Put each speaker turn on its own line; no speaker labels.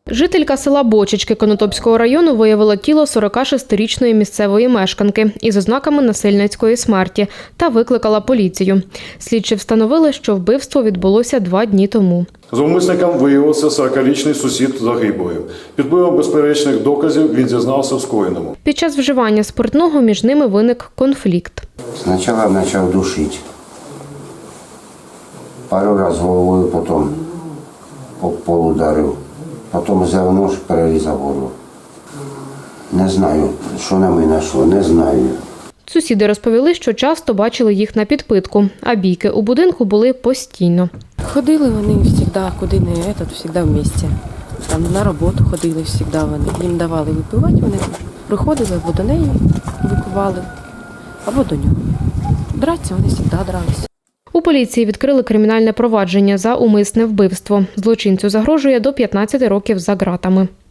Жителька села Бочечки Конотопського району виявила тіло 46-річної місцевої мешканки із ознаками насильницької смерті та викликала поліцію. Слідчі встановили, що вбивство відбулося 2 дні тому.
Зловмисником виявився 40-річний сусід загиблої. Під впливом безперечних доказів він зізнався в скоєному.
Під час вживання спиртного між ними виник конфлікт.
Спочатку почав душити. Пару разів головою, потім об пол ударив. Потім взяв нож, перерізав горло. Не знаю, що на мене йшло, не знаю.
Сусіди розповіли, що часто бачили їх на підпитку, а бійки у будинку були постійно.
Ходили вони завжди, куди не завжди в місті. Там на роботу ходили завжди вони. Їм давали випивати, вони приходили або до неї випивали, або до нього. Драться вони завжди дралися.
У поліції відкрили кримінальне провадження за умисне вбивство. Злочинцю загрожує до 15 років за ґратами.